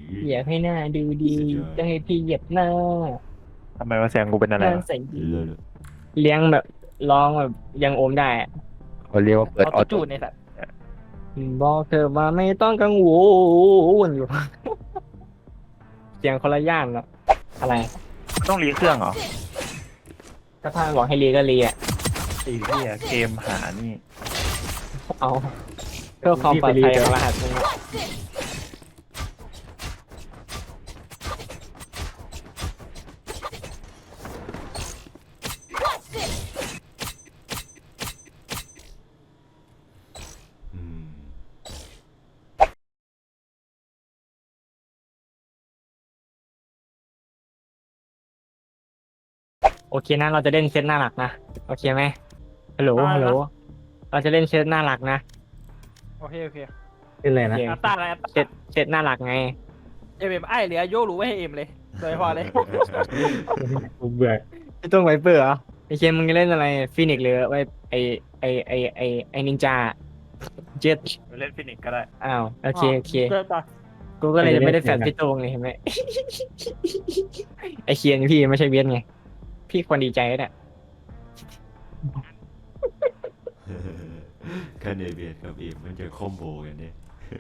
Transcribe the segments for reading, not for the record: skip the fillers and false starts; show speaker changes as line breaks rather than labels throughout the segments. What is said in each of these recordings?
อยากให้หน้าดูดีจะให้พี่เหยียบหน้า
ทำไมว่าเสียงกูเป็น
หน้า
อะไรวะ
ใส่ดี
เลิศ
เลี้ยงแบบร้องแบบยังโอมได้อะ
เขาเรียกว่าเปิด
ออ
ออโต้
โต้จูนในสัตว์
บอกเธอว่าไม่ต้องกังวลอยู่เสียงคนละย่านแล้วอะไร
ต้องรีเครื่องเหรอ
ถ้าพาบอกให้เรียก็เรียอะ
ไอ้เหี้ยเกมหานี่
เอาเพื่อความปลอดภัยของรหัสมึงอะ
อืม
โอเคนะเราจะเล่นเซตหน้าหลักนะโอเคไหมฮัลโหลฮัลโหลเราจะเล่นเซตหน้าหลักนะ
โอเคโอเค
เป็นไรนะ
อัตตาอะไรอัต
เซตเซตหน้าหลักไง
เอ็มไอเหลือโยรู้ไว้ให้เอ็มเลยโดยพอเลย
กูเบื่อไอ้ต้องไวเปอร์เหรอไอ้เคนมึงจะเล่นอะไรฟินิกหรือไวไอนินจาเจ็ด
เล่นฟินิกก็ได้
อ้าวโอเคโอเค
เริ่มต่อ
กูก็เลยไม่ได้แฟนพี่โต้งเลยเห็นไหม ไอเคียนพี่ไม่ใช่เวียนไงพี่ควรดีใจแล้วเนี่ย
คันเอเบียดกับเอมมันจะคอมโบกันเนี่ย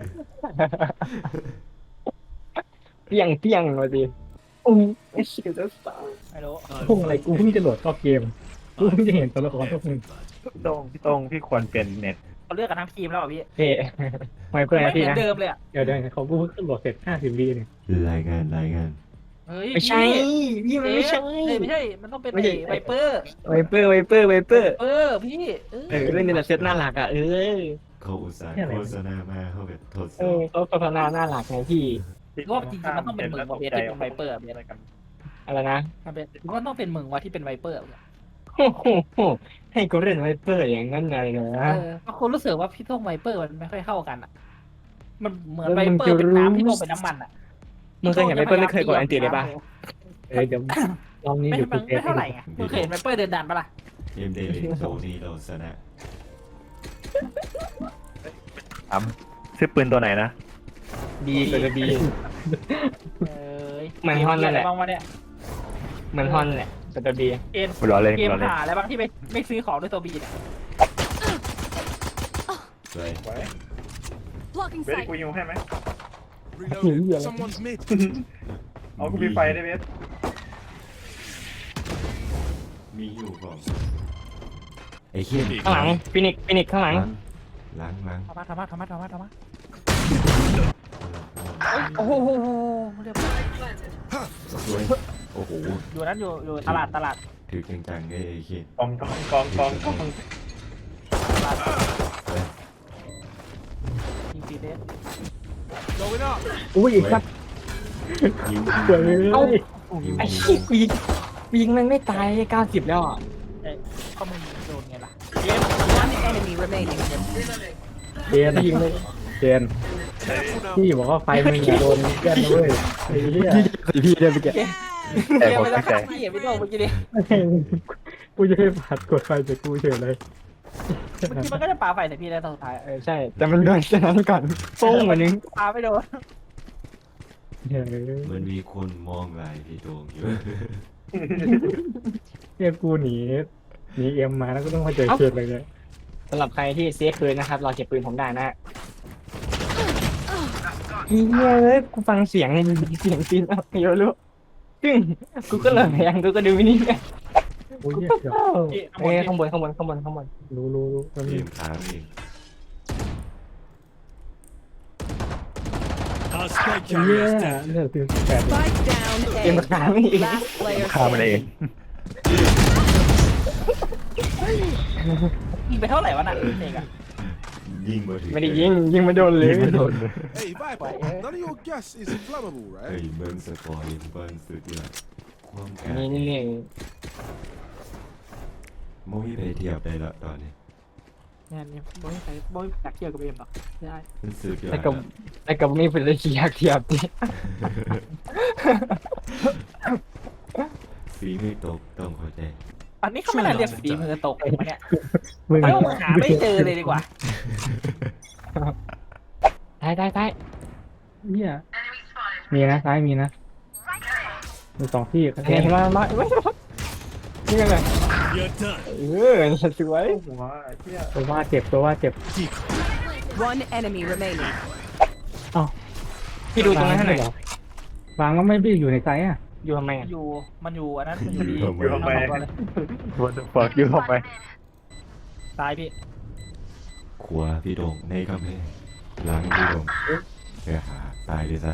เปี้ยงเปี้ยงเลยดิอุ้ยไอเคียนจะตาย
ไม่รู้
พุ่งอะไรกูเพิ่งจะโหลดเข้าเกมกูเพิ่งจะเห็นตัวละครพวกมึง
พี่โต้งพี่ควรเปลี่ยนเน็ต
เขาเลือกกันทั้งทีมแล้วอ่ะพี่
เฮ้ไวเปอร์
ไม่
นะ
เห
พี่
มือน
นะ
เดิมเลยอ่ะ
เดี๋ยวเขากูเพิ่งโหลดเสร็จ50 วิเนี่ย
รายงาน
เฮ้ย
ไม่ใช่พี่มันไม่ใช่
ไม่ใช่ มันต้องเป็น
ไม่ใช่
ไวเปอร์
ไวเปอร์
พี่
เล่นในเซตหน้าหลักอ่ะ
เขาอุตส่าห์โฆษณามาเขาแบบทดส
เอ
อ
อบ เขาพัฒนาหน้าหลักไงพี่
รอบจริงๆมันต้องเป็นมึงว่ะเบสที่เป็นไวเปอร์เบส
อะไรนะ
มันเป็นมันต้องเป็นมึงว่ะที่เป็นไวเปอร์
โอ้โหให้กูเล่นไวเปอร์อย่างนั้นเลยนะ
เพราะคนรู้สึกว่าพี่ต้องไวเปอร์มันไม่ค่อยเข้ากันอ่ะ มันเหมือน
แล้ว
ไว
มึง
เปอ
จะ
ร์เป็น
รู้
น้ำพี่ต้องเป็นน้ำมันอ่ะ
มึงเคยเห็นไวเปอร์ไม่เคยกดอันติเลยป่ะ
เดี๋ยวรอบนี้
ไม่
เดี๋ยวกู
ไม่เท่าไหร่ไงมึงเคยเห็นไวเปอร์เดินดันปะล่ะ
เอ็มเดลิโตนี่เราชนะ
ซื้อปืนตัวไหนนะ
ดีกว่าจะดี
เอ้ย
เหมือนฮอนนั่นแหละ
บ้างวะเนี่ย
เหมือนฮอนแหละแต่จะดี
เอ็น
กูรอเล่น
เก
กู
ม
รอเล่น
หาอะไรบ้างที่ไม่ซื้อของด้วยตัวบีเนี่ย
สวย
Blocking
เบส
sight.
กูยิงให้ไหม
Reloading. Someone's mid.
เอากูมีไฟได้เบส
มีอยู่ก่อนไอ้เหี้ย
ข้างหลังฟินิกข้างหลัง
ล้าง
ทำมาโอ้โหเรียบร้อย
สวยโอ้โห
อยู่นั้นอยู่ตลาด
ถือจังๆไอ้เหี้ย
กอง
ยิงตีเดส
Going up.
อุ้ยอีกครับ
ยิง
เกิดเลย
เอ้า
ยิง
ไอ้ชี้กูยิงมันไม่ตาย90แล้วอ่ะ
ก็มึงโดนไงล่ะ
One enemy remaining.
เจนยิงเลยเจนพี่บอกว่าไฟมึงอย่าโดนเพื่อนนะเว้ยไอ้เหี้ย
พี่ได้ไปแก
แต่
เกม
ผม
ไม่ต้อ
ตั้
ง
งใจ
พี่อย่าไปโดนเมื่อกี้ดิ
กูจะให้ผัดกดไฟจากกูเฉยเลย
เมื่อกี้มันก็จะปาไฟใส่พี่แล้วตอนสุดท้าย
ใช่ แต่มันโดนฉะนั้นก่อนโป้งกว่านึง
ปาไม่โดน
เฮ้ย
มันมีคนมองลายพี่โตงอยู่
เนี่ยกูหนีเอ็มมาแล้วก็ต้องมาเจอเขตเลยเนี่ย
สำหรับใครที่เซฟปืนนะครับเราเก็บปืนผมได้นะเฮ้ยกูฟังเสียงปืนเอาเยอะลูกซึ่งกูก็เลยยังกูก็ดูมินิไง
โอ้ยเหี้ยเดี๋ยว
เอ้ยข้างบน
รู้มัน
เก
มี
มค้างเอง
Our spike
เหี้ย
carrier is dead.
เนี่ยตื่น8
Spike down
เกม
A.
ค้างอีก
Last player
ฆ่ามันเอง
ยิงไปเท่าไหร่วะน่ะเอกอะ
ยิงมาถึง
ไม่ได้ยิงไม่โดนเลย
Hey, Viper, none of your gas is flammable,
เฮ้ย
right?
เมืองสปอยเบิ้ลสุดยอดความแก่
นี่
มองไม่ไปเทียบได้ละตอนนี้
เนี่ยบอยใส่บอยจักเกี่ยวกับเอ็มหรอได้
มันสุดยอด
แต่กับไม่เป็นเทียบดิ
ฝีมือตกต้องเข้าใจ
อันนี้เขาไม่น่าเรียกฝีมือตกมาเนี่ย
มึง
ไม่ต้องหาไม่เจอเลยดีกว่า
ได้
เนี่ยมีนะซ้ายมีนะมีสองที่
เห็นมาไม่นี่ไงเลยสวย
หัวไอ้เหี้ย
ตัวว่าเจ็บตัวว่าเจ็บ
One enemy remaining.
พี่ดูตรงนั้นให้หน่อย
วางก็ไม่ได้อยู่ในไซส์อ่ะ
อยู่ทำไมอ่ะ
อยู่มันอยู่อันนั้นมันอยู่ดี
อยู่ทำไม
เอาตัวเลย
What the fuck อยู่ทำไม
ตายพี่
ขวาพี่โดงในกำแพงหลังพี่โดงเดี๋ยวหาตายด้วยซะ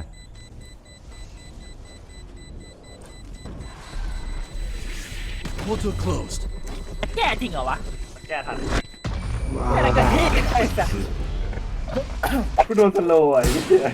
Portal closed.
แก้จริงเหรอวะ
แก้ทัน
อะไรกันพี่ไอ้สัส
กูโดนสโลว์อ่ะไอ้เหี้ย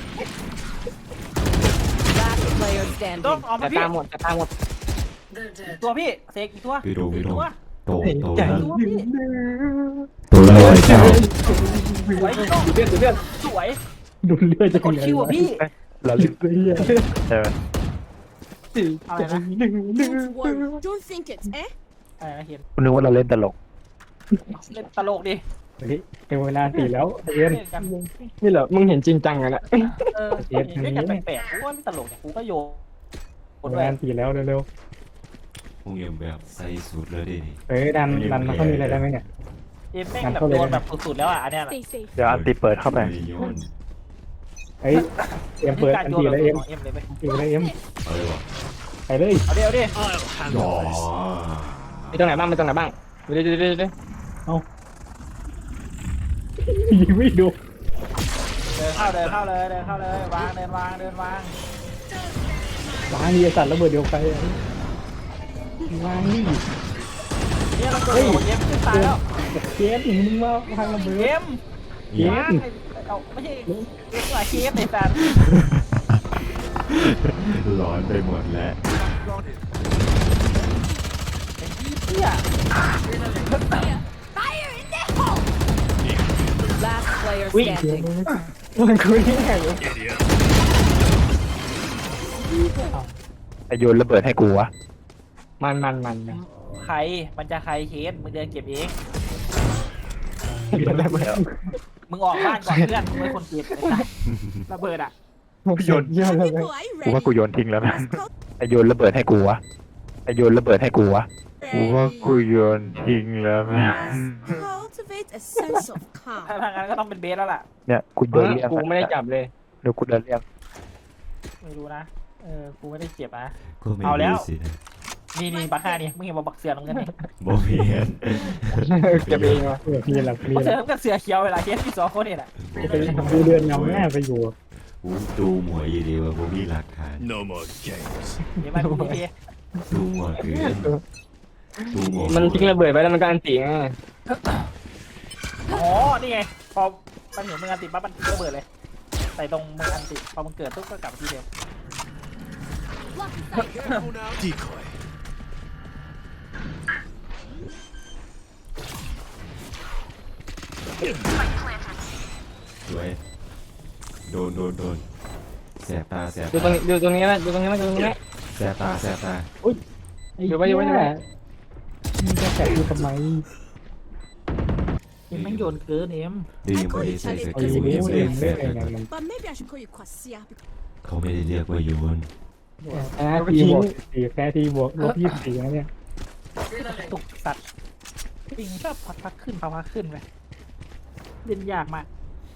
Last player
ต้อง
standing.
เอามา
จะ
พี่
ตามหมดจะตามหมด
ตัวพี่เสกอีกตัว
พี่โดง
อี
พี่
ก
โดง
ตัว
โตโต
ใจ
แล้ว
ตัวพี่
ตัวแล้วไอ้เจ้า
สวยต้อง
เลือดเลือด
สวย
ดูเลือดจะ
กดคิวอ่ะพี่
เราลืม
เลือด
ใช่ไหม
อะไรนะ
Don't worry. Don't think it, eh?
อะไรนะเห็น
กูนึกว่าเราเล่นตลก
เล่นตลกดิ
เฮ้ยเป็นเวลาตีแล้วเอ็น
เล่นกัน
นี่เหรอมึงเห็นจริงจังกันละ
เออเล่นกันแปลกๆกูว่าไม่ตลกเนี่ยกูก็โยน
เป็นเวลาตีแล้วเร็ว
คงเอ็มแบบใส่สุดเลยดิ
ๆเฮ้ยดันมันเขามีอะไรได้ไหมเนี่ย
เอ็มแม่งแบบโยนแบบสุดๆแล้วอ่ะอันเนี้ย
Stay safe.
เดี๋ยวอันตีเปิดเข้าไป
โยน
เฮ้ยเอ็มเปิด
การ
อัน
โย
ตี
Ờ,
นแบบ
แล้วเอ็ม
ของเอ็มเลยไป
ตีแล้วเอ็ม
เอาเลยวะ
ไปเลย
เอาดิเอาดิ
อ๋อ
มีตรงไหนบ้างมีตรงไหนบ้างดูดิดูดิดูดิ
ยิงไม่ดู
เดินเข้าเลยเดินเข้าเลยวางเดินวาง
วางนี่สัตว์ระเบิดเดียวใครวางนี่
เนี่ยเราเกิดโดนเอ็มขึ้นตายแล้ว
เกมมึงว่าวางระเบิด
เอ็ม
เกม
เอาไม่ใช่เอ็มว่าเคฟในสัตว์
ร้อนไปหมดแล้ว
เฮีย
Last player
วิ่ง
standing.
มันคุยยังไงอยู่
ไอโยนระเบิดให้กูวะ
มัน
ใครมันจะใครเคสมึงเดินเก็บเอง
เดี๋ยวได้ไหม
มึงออกบ้านก่อนเพื่อนมึงเป็นคนเก็บไอ้สัตว์ระเบิดอ่ะ
โยนเยอะเลย
People, are you
กูว่า
ready?
กูโยนทิ้งแล้วนะ
Let's go.
ไอโยนระเบิดให้กูวะไอโยนระเบิดให้กูวะกูว่ากูโยนทิ้งแล้วนะ
Cultivate a sense of
ถ้า
calm.
ทางนั้นก็ต้องเป็นเบสแล้วล่ะ
เนี่ยกูเดินเรียก
กูไม่ได้จับเลย
เดี๋ยวกูเดินเรียก
ไม่รู้นะกูไม่ได้เก็บนะ
ก็ไม่
เอาแล้ว
รู้สินะ
นี่บักห้านี่มึงเห็นบักเสือน้ำเงินนี่
บ่เห็น
เก็บเองวะ
นี่แหละนี่
บัก
แห
เสือ
ละ
น้ำเงินเสือเขียวเวลาเคสที่สองคนนี่แหละ
ไปดูเดือนเงาแม่ไปอยู่
กูดูหมวยอยู่ดีว่าผมมีหลักฐาน
No more games.
เดี๋ยวมาดูพี่
ดูหมวยคือดูหมวย
มันทิ้งระเบิดไปแล้วมันก็อันตีไง
อ๋อนี่ไงพอมันเห็นมึงอันติดปั๊บมันระเบิดเลยใส่ตรงมึงอันติดพอมึงเกิดปุ๊บก็กลับมาที่เดิม
Careful now. Decoy.
สวยโดนแสบตาแสบ
ดูตรงนี้ดูตรงนี้นะดูตรงนี้นะดูตรงนี้นะ
แสบตาแสบตา
อยู่ไว้อยู่ไว้อยู่ไว้
มึงจะแตะอยู่ทำไม
เอ็มแม่งโยนเกินเอ็ม
ดียังไม่ได้ใส่ส
เอา
กิ
อ
ล
ยู่
เอ็ม
เล่
เอ็
น
มแส
เล่น
บ
อะไร
ตา
มัน
But maybe I should call you Kwasia because
เขาไม่ได้เรียกว่าโยน
แพ้ทีบวกสี่แพ้ทีบวก24นะเนี่ย
ตุกสัตว์ปิงชอบพักขึ้นพักขึ้นไปเล่นยากมาก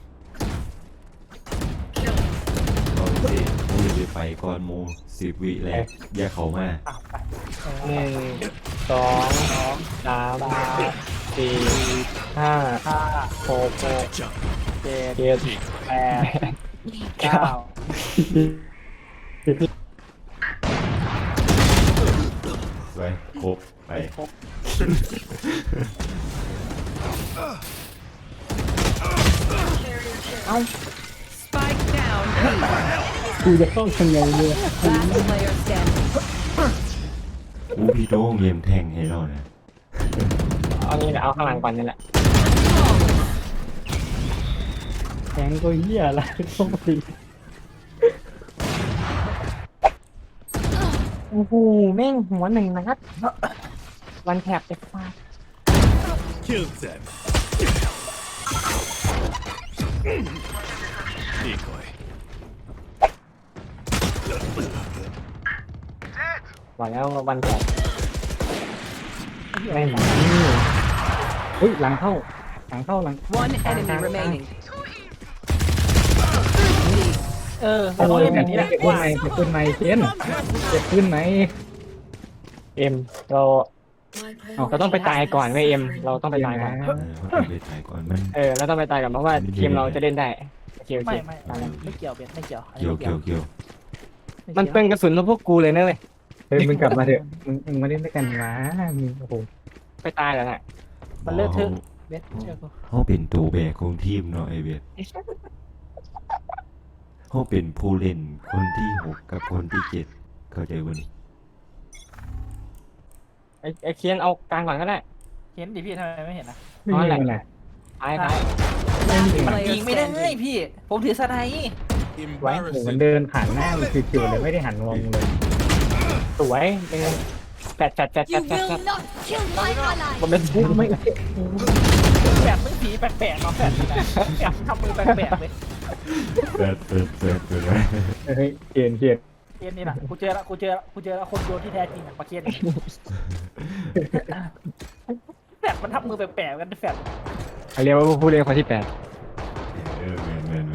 ตอนที่มูจะไปก่อนมู10 วิแรกแยกเขามา
อ้าวไป
1 2 3 4 5 6
เจ็ด
7
แปดเก้า
สวยครบไป
ครบ
spike down.
กูจะเข้าทางไงเนี่ย
Last player standing.
อูพี่โต้งเยี่ยมแทงให้เรานะ
เอานี่แหละเอาข้างหลังก่อนนี่แหละ
แทงก็เหี้ยอะไรต้องตี
โอ้โหแม่งหัวหนึ่งนัดวันแถบจะฟาด
Kill them. Decoy.
บอกแล้ววันแก่
แม่งเฮ้ยหลังเข้า
One enemy remaining.
เออ
โอ้
เขา
ย
เล่น
แบ
แบบ บ
นี้
นี้
เจ็บขึ้นไหมเจ็บขึ้นไหมเจนเจ็บขึ้นไหม
เอ็มเราต้องไปตายก่อนเว้ยเอ็มเราต้องไปตายก่อน
มันต้องไปถ่ายก่อนมัน
เราต้องไปตายก่อนเพราะว่าทีมเราจะเล่นได้โอเคโอเค
ไม่ไม่เกี่ยวเบสไม่เกี่ยว
เกี่ยวเกี่ยวเกี่ยว
มันเป็นกระสุนของพวกกูเลยนะเว้ย
เฮ้ยมึงกลับมาเถอะมึงมาเล่นด้วยกันนะมึงโอ้โห
ไปตายแล้วน่ะ
มันเลิกเถอะเบสเชื่อกู
เขาเป็นตัวแบกของทีมเนาะไอเวทเขาเป็นผู้เล่นคนที่ 6กับคนที่ 7เข้าใจวันนี้
ไอเคียนเอากลางก่อนก็ได้
เห็นดิพี่ทำไมไม่เห็นนะ
ไม่มีอะไร
ตายตาย
Last
ยิง
player
ไม่ได้
standing.
พี่ ผมถือสไนป์
ไว้หนูมัน
Embarrassing.
เดินผ่านหน้ามึงจิ๋วๆเลยไม่ได้หันมองมึงเลย
สวยเป็นไงแปด
You will not kill my ally.
มันเป็น
ไม่
แบบมึงผีแปลกๆเนาะแบบทำมือแปลกๆเลย
เปิดเลย
เฮ้ยเกณฑ์
เกมนี้นะกูเจอแล้วคนโยนที่แท้จริงอะปะเคียนแฟดมันทำมือแปลกๆกันแฟด
เรียกว่าผู้เล่นคนที่ 8
แมน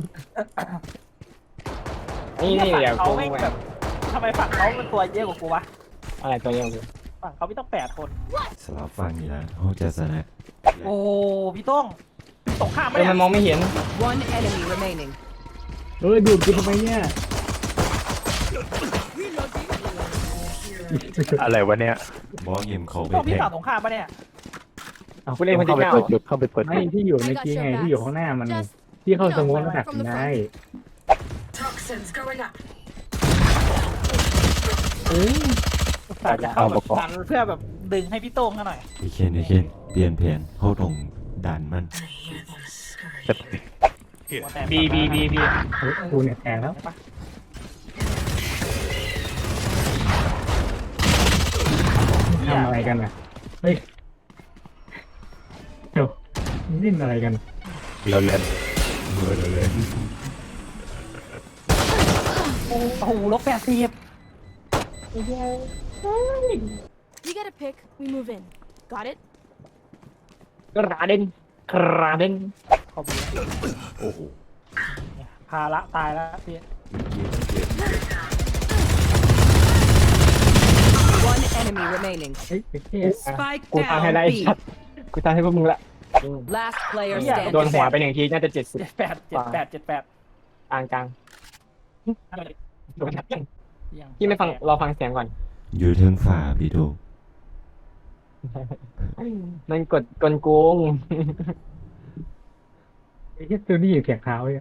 นี่เดี๋ยว
เขา
กู
ไม่แบบทำไมฝั่งเขาเป็นตัวเยอะกว่ากูวะ
อะไรตัวเดียวกู
ฝั่งเขาไม่ต้อง8 คน
สลับฟังนี่นะเขาจะชนะ
โอ้พี่ต้องตกข้ามไป
มันมองไม่เห็น
One enemy remaining.
เฮ้ยดูดกูทำไมเนี่ย
อะไรวะเนี่ย
บอสเอ็มเขาไป
ต้อง
แท
พี่
ง
ฝั่งตรงข้ามปะเนี่ย
เอาผู้เล่นคน
เข้า
ที่
ไป
9
เปิดจุดเข้าไปเปิด
ไม่
จุด
ที่อยู่เมื่อกี้ไงที่อยู่ข้างหน้ามันที่เข้าสมมติหนักได้
ฝั่งจะเข้าแบบดันเพื่อแบบดึงให้พี่โต้งเขาหน่อย
ไอเคนเปลี่ยนแผนเขาตรงดันมัน
บี
เฮ้ยกูเนี่ยแทงแล้วทำอะไรกันอ่ะเฮ้ยเดี๋ยวเล่นอะไรกัน
เราเล่น
เลย
โอ้โห-80
You get a pick. We move in. Got it?
กระเด็น
เขาบี
โอ้โห
พาละตายแล้วพี่
One enemy remaining.
เฮ้ยไอ้เหี้ย
Spike
กูตามให้ได้
down B.
ชัดกูตามให้พวกมึงละ
Last player
โดน
standing.
หัวไป1ทีน่าจะ70
78
กลาง
อะไร
โดนพี่ไม่ฟังรอฟังเสียงก่อน
อยู่เทิงฝ่าพี่ดู
มันกดกลโกง
ไอ้เหี้ยตัวนี้เสียงเท้าเนี่ย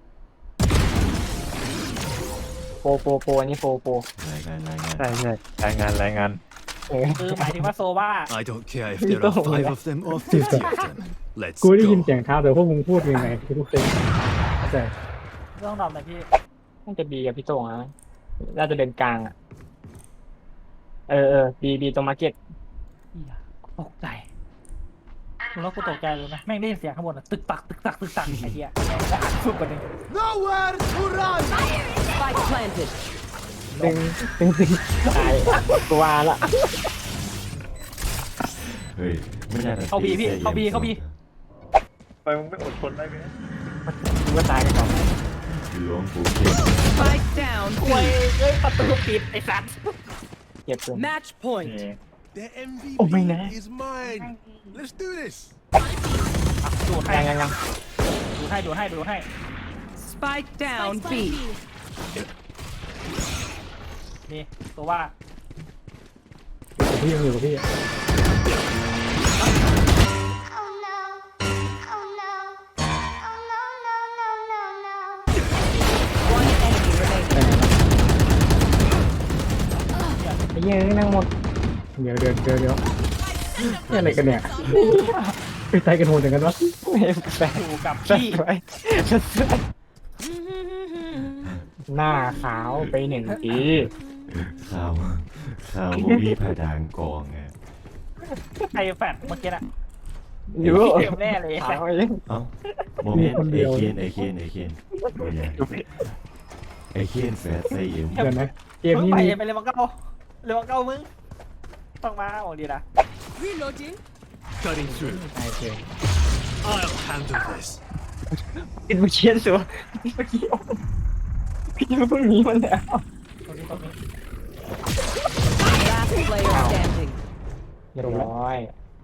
โปอันนี้โป
รายงาน
ใช่รายงาน
คือหมายถึงว่าโซว่า
I don't care if there are 5 of them or 50 of them. Let's
กูได้ยิน
go.
เสียงเท้าแต่พวกมึงพูดยังไงกูเซ็งเข้าใจ
ต้องดอมหน่อยพี่
น่าจะบีกับพี่โต้งนะน่าจะเดินกลางอ่ะบีตรงมาร์เก็ต
ตกใจคุณแล้วกูตกใจเลยนะแม่งได้ยินเสียงข้างบนตึกตักไอ้เหี้ยแล้วอัดฟุบกันหนึ่ง
Nowhere to run!
Spike planted.
ดึงตายกูว่าละ
เฮ้ยไม่ได้
เข้าบีพี่เข้าบี
ไปมึงไม่อดทนได้ไหม
กูว่าตายกันก่อน
หลวงปู่เข็ม
Spike down
ควย
B.
เอ้ยประตูปิดไอ้สัตว์
เก็บปืน
Match point.
The MVP
Oh, my God.
is mine. Let's do this.
ดูดให้
ยัง
ดูให้
Spike down B.
นี่ตัวว่า
พี่ยังอยู่กับพี่
Oh no. Oh no. Oh no, no, no, no, no.
One enemy remaining.
ไอ้เหี้ยนั่งหมด
เดี๋ยวนี่อะไรกันเนี่ยไปตายกันโหดอย่างกันวะ
แปลก
อยู่กับ
พี่
พี่
หน้าขาวไป1ที
ข่าวมีผดานกองไง
ใครแฟดเมื่อกี้น่ะ
อยู่
เกมแน่เลย
ขาวเอง
เอ้าโมเมนต์ไอเคนไม่ใช่ไอ้เคียนแฟดใส่เอ็ม
เดี๋ยวนะเกม
มึง
นี้
ไป
มี
ไปเลยมังเก้าเลยมังเก้ามึงต้องมาโอ้ดีนะ
Reloading.
Cutting through.
ใช่เกม
I'll handle this.
กินมาเชียนสัวเมื่อกี้พี่เพิ่งหนีมันแล้ว
ตรงนี้ตรงนี้
Last player standing.
เรียบร้อย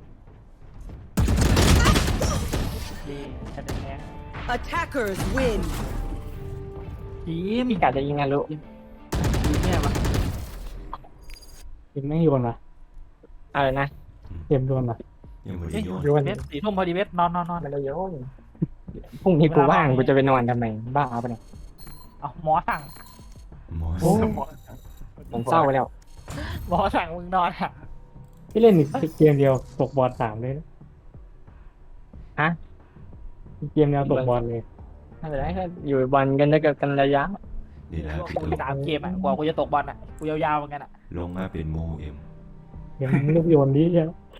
ดีแค่เด็กแค่
Attackers win.
ทีม
พี่กาจะยิงงานรู้
ทีมเนี่ยมา
เกมไม่โยนวะ
อะไรนะ
เกมโยนวะ
ยังไม่ได้โยน
โยน
เบสสี่ทุ่มพอดีเบสนอน
ไม่ได้โยนพรุ่งนี้กูว่างกูจะไปนอนทำไมบ้าเอาไปเนี่ย
เอาหมอสั่ง
หมอ
โอ้
ผมเศร้าไปแล้ว
หมอสั่งมึงนอนอ่ะ
พี่เล่นอีกเกมเดียวตกบอล3เลยนะ
ฮะ
อีกเกมเดียวตกบอลเลย
ไม่เป็นไรก็อยู่บอลกันได้กันระยะ
นี่แหละพี่
กู
โดง
3 เกมอ่ะกว่ากูจะตกบอลอ่ะกูยาวๆเหมือนกันอ่ะ
ลงมาเป็นโมเอ็ม
เกมลูกโยนดีใช่ไหม